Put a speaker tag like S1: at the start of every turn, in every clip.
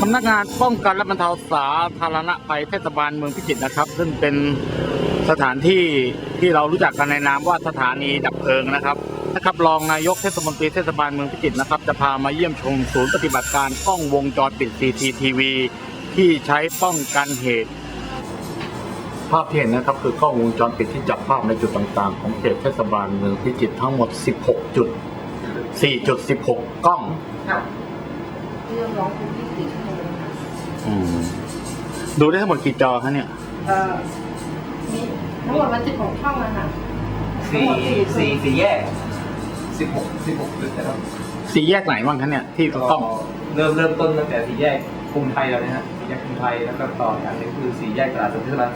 S1: สำนักงานป้องกันและบรรเทาสาธารณภัยเทศบาลเมืองพิจิตรนะครับซึ่งเป็นสถานที่ที่เรารู้จักกันในนามว่าสถานีดับเพลิงนะครับรองนายกเทศมนตรีเทศบาลเมืองพิจิตรนะครับจะพามาเยี่ยมชมศูนย์ปฏิบัติการกล้องวงจรปิด CCTV ที่ใช้ป้องกันเหตุภาพที่เห็นนะครับคือกล้องวงจรปิดที่จับภาพในจุดต่างๆของเขตเทศบาลเมืองพิจิตรทั้งหมด16จุด4.16 กล้อง
S2: เรื่องร้องทุกข์24 ชั่วโมงค่ะ
S1: ดูได้ทั้งหมดกี่จอคะเนี่ย
S2: มีทั้งหมดมัน16 ช่องนะคะ
S3: สี่แยก16จุดนะครับ
S1: 4 แยกไหนบ้างคะเนี่ยที่ต้อง
S3: เริ่มต้นตั้งแต่4 แยกกรุงไทยแล้วนะฮะ4 แยกกรุงไทยแล้วก็ต่ออย่างนึงคือ4 แยกตลาดสดเทศบาล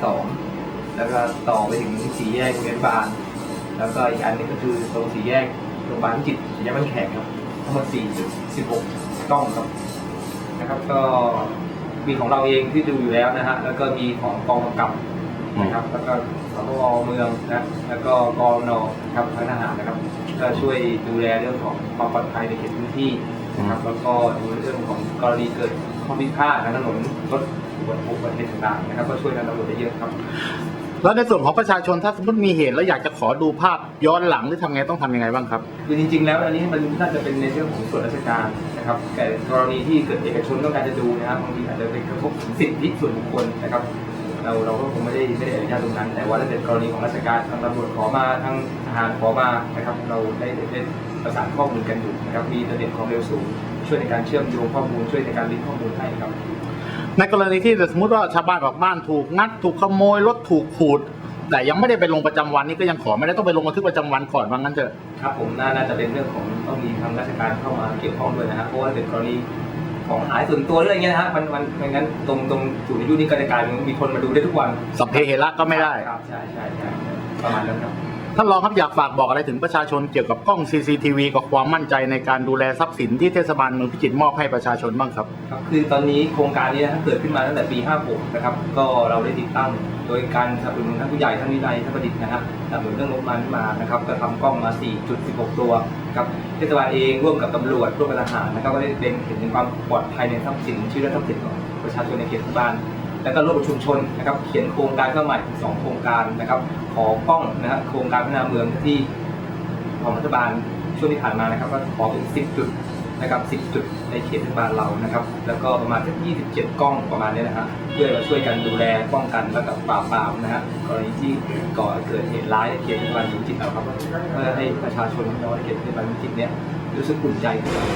S3: 2แล้วก็ต่อไปถึง4 แยกโรงเรียนบาลแล้วก็อีกอันนึงก็คือตรง4 แยกโรงพยาบาลพิจิตร4 แยกบ้านแขกครับทั้งหมด4.16 กล้องครับนะครับก็มีของเราเองที่ดูอยู่แล้วนะฮะแล้วก็มีของกองกำกับนะครับแล้วก็สพเมืองนะแล้วก็กองนครับทางทหารนะครับก็ช่วยดูแลเรื่องของความปลอดภัยในเขตพื้นที่นะครับแล้วก็ดูเรื่องของกรณีเกิดข้อพิพาททางถนนรถอุบัติเหตุต่างๆนะครับก็ช่วยกันตำรวจได้เยอะครับ
S1: แล้วในส่วนของประชาชนถ้าสมมติมีเหตุแล้วอยากจะขอดูภาพย้อนหลังหรือทำไงต้องทำยังไงบ้างครับ
S3: คือจริงๆแล้วอันนี้มันน่าจะเป็นในเรื่องของส่วนราชการนะครับแต่กรณีที่เกิดเอกชนต้องการจะดูนะครับบางทีอาจจะเป็นกระทบสิทธิส่วนบุคคลนะครับเราก็คงไม่ได้อนุญาตตรงนั้นแต่ว่าถ้าเป็นกรณีของราชการทางตำรวจขอมาทางทหารขอมานะครับเราได้ประสานข้อมูลกันอยู่นะครับมีระดับความเร็วสูงช่วยในการเชื่อมโยงข้อมูลช่วยในการลิงก์ข้อมูลให้ครับ
S1: ในกรณีที่สมมติว่าชาวบ้านบอกบ้านถูกงัดถูกขโมยรถถูกขูดแต่ยังไม่ได้ไปลงประจำวันนี่ก็ยังขอไม่ได้ต้องไปลงบันทึกประจำวันก่อนว่างั้นเถอะ
S3: ครับผมน่าจะเป็นเรื่องของต้องมีทางราชการเข้ามาเกี่ยวข้องด้วยนะฮะเพราะว่าเป็นกรณีของหายส่วนตัวหรืออะไรเงี้ยนะฮะมันงั้นตรงศูนย์อายุนี่ก็จะกลายเป็นมีคนมาดูได้ทุกวัน
S1: สัพเพเหระก็ไม่ได้
S3: ครับใช่ประมาณนั้นครับ
S1: ท่านรองครับอยากฝากบอกอะไรถึงประชาชนเกี่ยวกับกล้อง CCTV กับความมั่นใจในการดูแลทรัพย์สินที่เทศบาลเมืองพิจิตรมอบให้ประชาชนบ้างครับ
S3: ครับคือตอนนี้โครงการนี้เกิดขึ้นมาตั้งแต่ปี56นะครับก็เราได้ติดตั้งโดยการสนับสนุนท่านผู้ใหญ่ท่านวินัยท่านประดิษฐ์นะครับสนับสนุนเรื่องงบประมาณมานะครับก็ทำกล้องมา 4.16 ตัวครับเทศบาลเองร่วมกับตำรวจร่วมกับทหารนะครับก็ได้เป็นเห็นถึงความปลอดภัยในทรัพย์สินชื่อและทรัพย์สินของประชาชนในเขตเทศบาลแล้วก็ร่วมกับชุมชนนะครับเขียนโครงการเข้าใหม่2 โครงการนะครับขอกล้องนะครับโครงการพัฒนาเมืองที่ของรัฐบาลช่วงที่ผ่านมานะครับก็ขอเป็น10 จุดนะครับ10 จุดในเขตเทศบาลเรานะครับแล้วก็ประมาณ27 กล้องประมาณนี้นะครับเพื่อมาช่วยกันดูแลป้องกันและกับปราบปรามนะฮะกรณีที่ก่อเกิดเหตุร้ายในเขตเทศบาลพิจิตรเราครับเพื่อให้ประชาชนน้อยเขตเทศบาลพิจิตรเนี่ยรู้สึกอุ่นใจ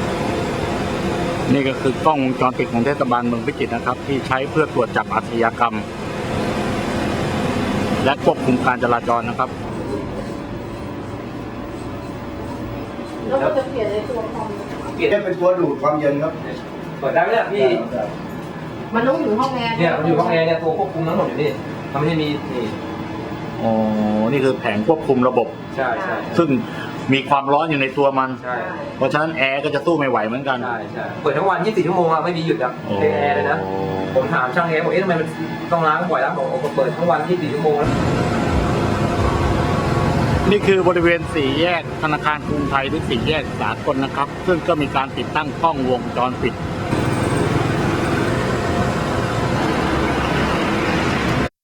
S1: นี่ก็คือกล้องวงจรปิดของเทศบาลเมืองพิจิตรนะครับที่ใช้เพื่อตรวจจับอาชญากรรมและควบคุมการจราจรนะครับ
S2: แล้วก็จะเปลี่ยนในตัวคอม
S3: เปลี่ยนเป็นตัวดูดความเย็นครับเปิดได้ไหมเนี่ยพี่
S2: มันต้องอยู่ห้องแอร์
S3: เนี่ยมันอยู่ห้องแอร์เนี่ยตัวควบคุมทั้งหมดอยู่นี่ทำให้มีนี่
S1: อ๋อนี่คือแผงควบคุมระบบ
S3: ใช่
S1: ซึ่งมีความร้อนอยู่ในตัวมัน
S3: ใช่
S1: เพราะฉะนั้นแอร์ก็จะสู้ไม่ไหวเหมือนกัน
S3: ใช่เปิดทั้งวัน24 ชั่วโมงอะไม่มีหยุดอะเป็นแอร์เลยนะผมถามช่างแอร์บอกทำไมมันต้องล้างบ่อยแล้วบอกเปิดทั้งวัน24 ชั่วโมงแล้ว
S1: นี่คือบริเวณ4 แยกธนาคารกรุงไทยหรือ4 แยกสากลนะครับซึ่งก็มีการติดตั้งกล้องวงจรปิด